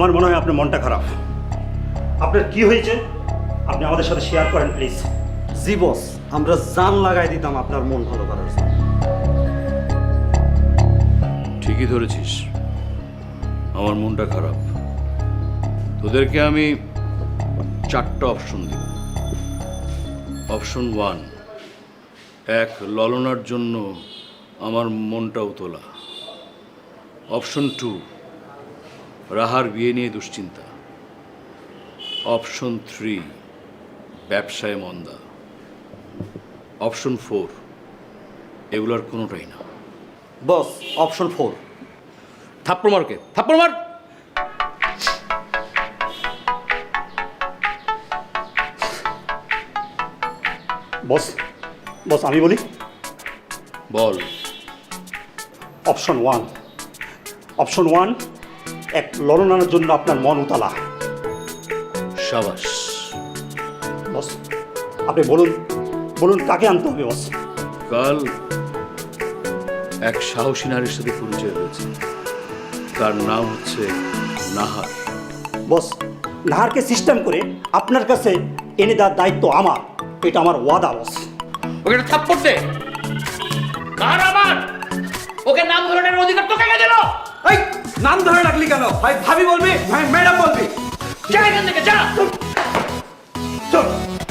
আমার মনে হয় আপনার মনটা খারাপ। আপনার কি হয়েছে আপনি আমাদের সাথে শেয়ার করেন প্লিজ। জি বস, আমরা জান লাগাই দিতাম আপনার মন ভালো করার জন্য। ঠিকই ধরেছিস, আমার মনটা খারাপ। তোদেরকে আমি 4টা অপশন দিব। অপশন 1, এক ললনার জন্য আমার মনটা উতলা। অপশন 2, রাহার বিয়ে নিয়ে দুশ্চিন্তা। অপশন 3, ব্যবসায় মন্দা। অপশন 4, এগুলোর কোনোটাই না। Boss, option 4। থাপ্পড় মারকে, থাপ্পড় মার। বস বস আমি বলি। বল। অপশন 1, অপশন 1, এক ললনার জন্য আপনার মন উতালা। সাবাস। বস আপনি বলুন বলুন কাকে আনতে হবে বস? কাল এক সাহসী নারীর সাথে পরিচয় হয়েছে, তার নাম হচ্ছে নাহার। বস নাহারকে সিস্টেম করে আপনার কাছে এনে দেওয়ার দায়িত্ব আমার, এটা আমার ওয়াদা বস। ওকে একটা থাপ্পড় দে। কার আমার? ওকে নাম ধরনের অধিকার তোকে কে দিল? এই নাম ধরে রাখলি কেন? ভাই ভাবি বলবি, ভাই ম্যাডাম বলবি? যা এখান থেকে যা। চল।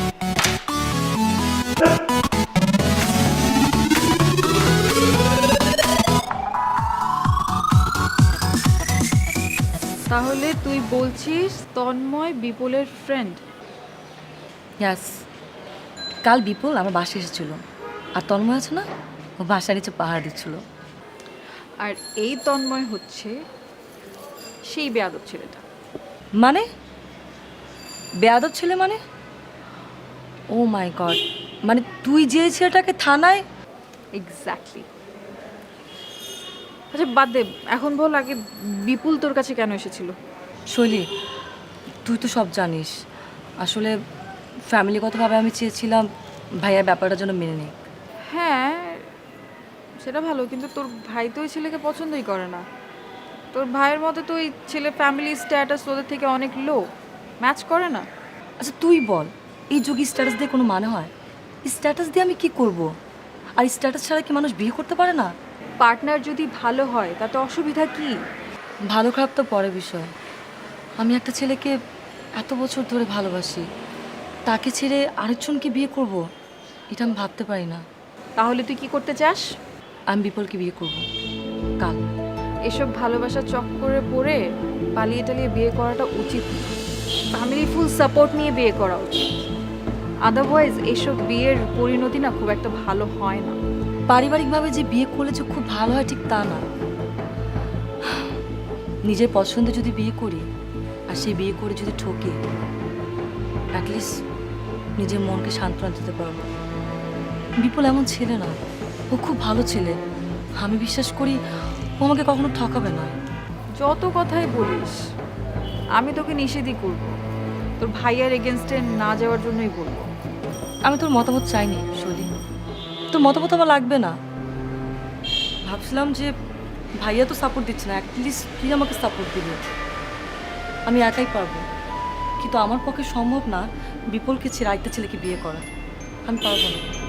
তাহলে তুই বলছিস তন্ময় বিপুলের ফ্রেন্ড? ইয়াস, কাল বিপুল আমার বাসায় এসেছিল, আর তন্ময় আছে না, ও বাসার নিচে পাহাড় দিচ্ছিল। আর এই তন্ময় হচ্ছে সেই বেয়াদব ছেলেটা। মানে বেয়াদব ছেলে মানে? ও মাই গড, মানে তুই যে ছেলেটাকে থানায়? এক্স্যাক্টলি। আচ্ছা বাদ দে, এখন বল আগে বিপুল তোর কাছে কেন এসেছিল? শৈলী, তুই তো সব জানিস। আসলে ফ্যামিলিগতভাবে আমি চেয়েছিলাম ভাইয়ার ব্যাপারটা যেন মেনে নিই। হ্যাঁ সেটা ভালো, কিন্তু তোর ভাই তো ওই ছেলেকে পছন্দই করে না। তোর ভাইয়ের মতে তো ওই ছেলে ফ্যামিলি স্ট্যাটাস ওদের থেকে অনেক লো, ম্যাচ করে না। আচ্ছা তুই বল, এই যুগে স্ট্যাটাস দিয়ে কোনো মানে হয়? স্ট্যাটাস দিয়ে আমি কি করব? আর স্ট্যাটাস ছাড়া কি মানুষ বিয়ে করতে পারে না? পার্টনার যদি ভালো হয় তাতে অসুবিধা কি? ভালো খারাপ তো পরের বিষয়। আমি একটা ছেলেকে এত বছর ধরে ভালোবাসি, তাকে ছেড়ে আরেকজনকে বিয়ে করব, এটা আমি ভাবতে পারি না। তাহলে তুই কি করতে চাস? আমি বিপুলকে বিয়ে করব কাল। এসব ভালোবাসার চক্করে পড়ে পালিয়ে টালিয়ে বিয়ে করাটা উচিত না। ফ্যামিলি ফুল সাপোর্ট নিয়ে বিয়ে করা উচিত। আদারওয়াইজ এসব বিয়ের পরিণতি না খুব একটা ভালো হয় না। পারিবারিকভাবে যে বিয়ে করলে যে খুব ভালো হয় ঠিক তা না। নিজের পছন্দে যদি বিয়ে করি আর সেই বিয়ে করে যদি ঠকে, অ্যাটলিস্ট নিজের মনকে সান্ত্বনা দিতে পারবো। বিপুল এমন ছেলে না, ও খুব ভালো ছেলে। আমি বিশ্বাস করি ও আমাকে কখনো ঠকাবে না। যত কথাই বলিস আমি তোকে নিষেধই করব, তোর ভাইয়ার এগেনস্টে না যাওয়ার জন্যই বলবো। আমি তোর মতামত চাইনি শৈলী, তোর মতামত আমার লাগবে না। ভাবছিলাম যে ভাইয়া তো সাপোর্ট দিচ্ছে না, অ্যাটলিস্ট তুই আমাকে সাপোর্ট দিবি। আমি একাই পারবো, কিন্তু আমার পক্ষে সম্ভব না বিপুলকে ছেড়ে আরেকটা ছেলেকে বিয়ে করা। আমি পারবো না।